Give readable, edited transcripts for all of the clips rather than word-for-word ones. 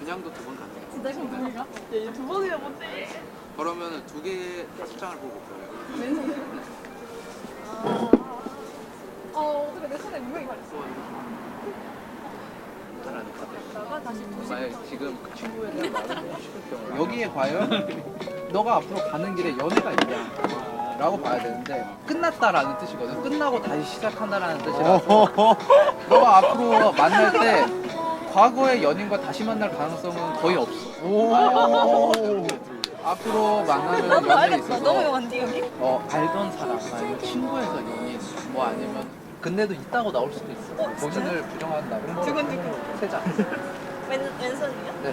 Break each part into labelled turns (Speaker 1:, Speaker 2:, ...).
Speaker 1: 그냥도 2번 가능해요.
Speaker 2: 진짜 그럼 우리가? 얘 2번이나 못해.
Speaker 1: 그러면은 2개 5장을 보고 거예요.
Speaker 2: 왼손에? 어떻게 내 손에 분명히 가렸어.
Speaker 1: 하라는 카드.
Speaker 2: 나가 다시 도시.
Speaker 1: 만약 지금 그 친구에 대한 말을 너무 싫을 경우 여기에 과연 너가 앞으로 가는 길에 연애가 있냐 라고 봐야 되는데 끝났다라는 뜻이거든. 끝나고 다시 시작한다라는 뜻이라서 너가 앞으로 만날 때 과거의 연인과 다시 만날 가능성은 거의 없어. 앞으로 만나는
Speaker 2: 나도
Speaker 1: 연애에
Speaker 2: 알겠다.
Speaker 1: 있어서
Speaker 2: 너무 영한데 여기?
Speaker 1: 알던 사람 아니면 친구에서 연인 뭐 아니면 근데도 있다고 나올 수도 있어. 본인을 부정한다고.
Speaker 2: 두근두근.
Speaker 1: 3장.
Speaker 2: 왼손이요?
Speaker 1: 네.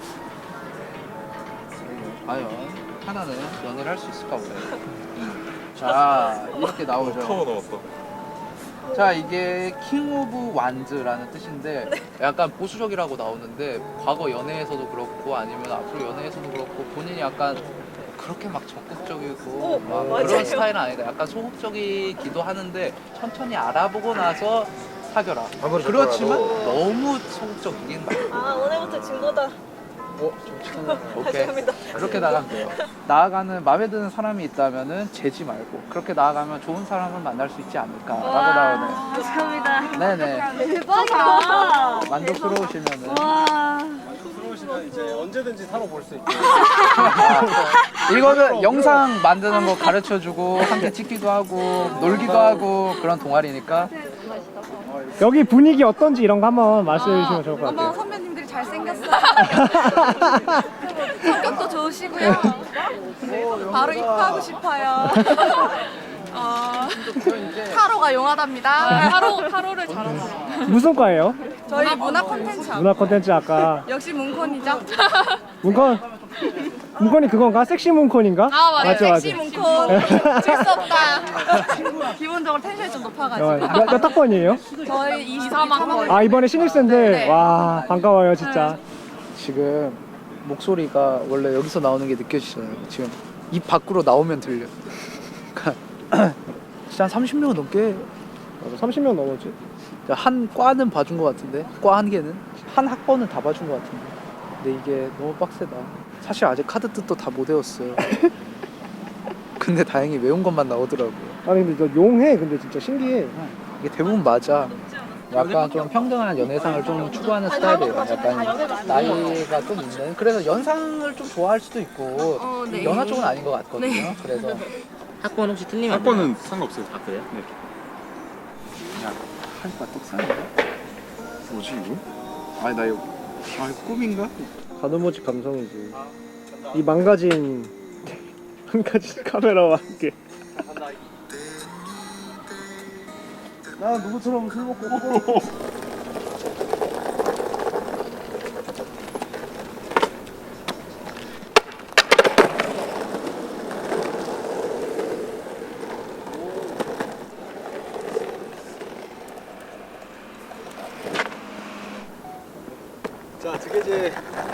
Speaker 1: 과연 하나는 연애를 할 수 있을까 보네. 자, 이렇게 나오죠.
Speaker 3: 타워 나왔다.
Speaker 1: 자, 이게 킹 오브 완즈라는 뜻인데 약간 보수적이라고 나오는데 과거 연애에서도 그렇고 아니면 앞으로 연애에서도 그렇고 본인이 약간 그렇게 막 적극적이고 막
Speaker 2: 맞아요.
Speaker 1: 그런 스타일은 아니다. 약간 소극적이기도 하는데 천천히 알아보고 나서 사겨라. 그렇지만 너무 소극적이긴 말고.
Speaker 2: 오늘부터 증거다.
Speaker 1: 오케이.
Speaker 2: 감사합니다.
Speaker 1: 그렇게 나가면 돼요. 나아가는 마음에 드는 사람이 있다면은 재지 말고 그렇게 나아가면 좋은 사람을 만날 수 있지 않을까라고 나오네.
Speaker 2: 감사합니다.
Speaker 1: 네네.
Speaker 2: 대박이다.
Speaker 1: 만족스러우시면은
Speaker 4: 들어오시면 이제 언제든지 타로 볼 수 있게.
Speaker 1: 이거는 영상 만드는 거 가르쳐주고 함께 찍기도 하고 놀기도 하고 그런 동아리니까.
Speaker 4: 여기 분위기 어떤지 이런 거 한번 말씀해 주시면 좋을 것
Speaker 5: 너무
Speaker 4: 같아요.
Speaker 5: 선배님들이 잘생겼어요. 성격도 좋으시고요. 바로 입학하고 싶어요. 타로가 용하답니다. 타로를 잘하잖아.
Speaker 4: 무슨 과예요?
Speaker 5: 저희 문화 콘텐츠.
Speaker 4: 문화 콘텐츠 아까
Speaker 5: 역시 문콘이죠.
Speaker 4: 문콘이 그건가? 섹시 문콘인가?
Speaker 5: 맞아요.
Speaker 4: 맞죠,
Speaker 5: 섹시
Speaker 4: 맞죠.
Speaker 5: 문콘. 질수 없다. 기본적으로 텐션이 좀 높아가지고.
Speaker 4: 몇 학번이에요?
Speaker 5: 저희 23학번.
Speaker 4: 아 이번에 신입생들
Speaker 5: 네.
Speaker 4: 와 반가워요 진짜.
Speaker 1: 지금 목소리가 원래 여기서 나오는 게 느껴지잖아요. 지금 입 밖으로 나오면 들려. 그러니까 진짜 한 30명 넘게
Speaker 4: 맞아, 30명 넘었지.
Speaker 1: 한 과는 봐준 것 같은데 과 한 개는 한 학번은 다 봐준 것 같은데 근데 이게 너무 빡세다. 사실 아직 카드 뜻도 다 못 외웠어요. 근데 다행히 외운 것만 나오더라고요.
Speaker 4: 아니 근데 너 용해. 근데 진짜 신기해.
Speaker 1: 이게 대부분 맞아. 약간 좀 평등한 연애상을 좀 추구하는 스타일이에요. 약간 나이가 좀 있는. 그래서 연상을 좀 좋아할 수도 있고
Speaker 5: 네.
Speaker 1: 연하 쪽은 아닌 것 같거든요. 그래서
Speaker 6: 학번 혹시 틀리면
Speaker 3: 학번은 상관없어요.
Speaker 6: 아 그래요?
Speaker 3: 네.
Speaker 1: 할바 떡상이야?
Speaker 3: 뭐지 이거?
Speaker 1: 아니 나 이거 꿈인가?
Speaker 4: 가늠오직 감성이지. 이 망가진 카메라와 함께.
Speaker 1: 나 누구처럼 술 먹고
Speaker 4: 자, 드게제.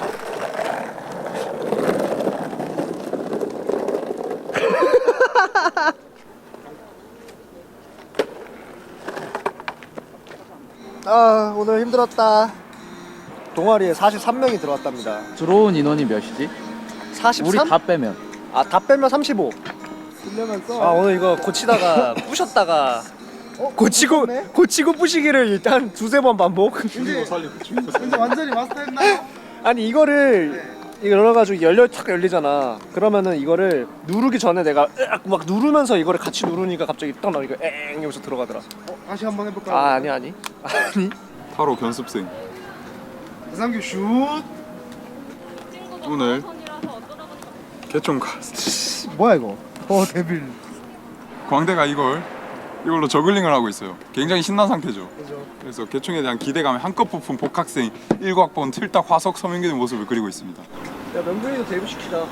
Speaker 4: 오늘 힘들었다. 동아리에 43명이 들어왔답니다.
Speaker 1: 들어온 인원이 몇이지?
Speaker 4: 43?
Speaker 1: 우리 다 빼면
Speaker 4: 다 빼면 35. 오늘 이거 고치다가 부셨다가 고치고 부시기를 일단 두세 번 반복.
Speaker 3: 죽이고 살리고 죽이고 살리고.
Speaker 4: 근데 완전히 마스터했나요? 아니 이거를 이거 열어가지고 탁 열리잖아. 그러면은 이거를 누르기 전에 내가 막 누르면서 이거를 같이 누르니까 갑자기 딱 나오니까 엥 여기서 들어가더라. 다시 한번 해볼까요? 아니.
Speaker 3: 타로 견습생.
Speaker 4: 이상규 슛.
Speaker 3: 오늘 개총가.
Speaker 4: 뭐야 이거? 데빌.
Speaker 3: 광대가 이걸로 저글링을 하고 있어요. 굉장히 신난 상태죠. 그래서 개총에 대한 기대감이 한껏 부푼 복학생 1학번 틀딱 화석 서명기는 모습을 그리고 있습니다.
Speaker 4: 야 명근이도 데뷔시키자.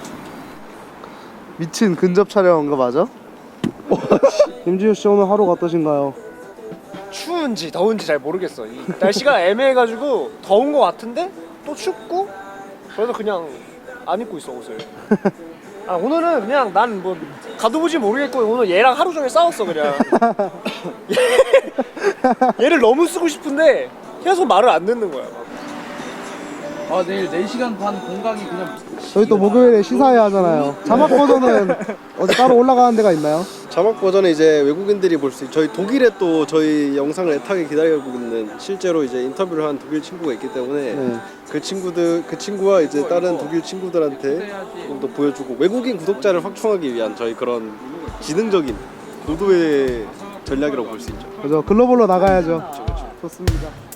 Speaker 7: 미친 근접 촬영한 거 맞아? 김지우 씨 오늘 하루가 어떠신가요?
Speaker 4: 추운지 더운지 잘 모르겠어. 이 날씨가 애매해가지고 더운 거 같은데 또 춥고 그래서 그냥 안 입고 있어 옷을. 오늘은 그냥 난 뭐 가둬보지 모르겠고 오늘 얘랑 하루 종일 싸웠어 그냥. 얘를 너무 쓰고 싶은데 계속 말을 안 듣는 거야.
Speaker 1: 아 내일 4시간 반 공강이 그냥
Speaker 7: 저희 또 목요일에 시사회 하잖아요. 자막 버전은 어디 따로 올라가는 데가 있나요?
Speaker 8: 자막 버전은 이제 외국인들이 볼 수 있. 저희 독일에 또 저희 영상을 애타게 기다리고 있는 실제로 이제 인터뷰를 한 독일 친구가 있기 때문에
Speaker 7: 네.
Speaker 8: 그 친구와 이제 다른 독일 친구들한테 조금 더 보여주고 외국인 구독자를 확충하기 위한 저희 그런 지능적인 고도의 전략이라고 볼 수 있죠.
Speaker 7: 그죠. 글로벌로 나가야죠. 좋습니다.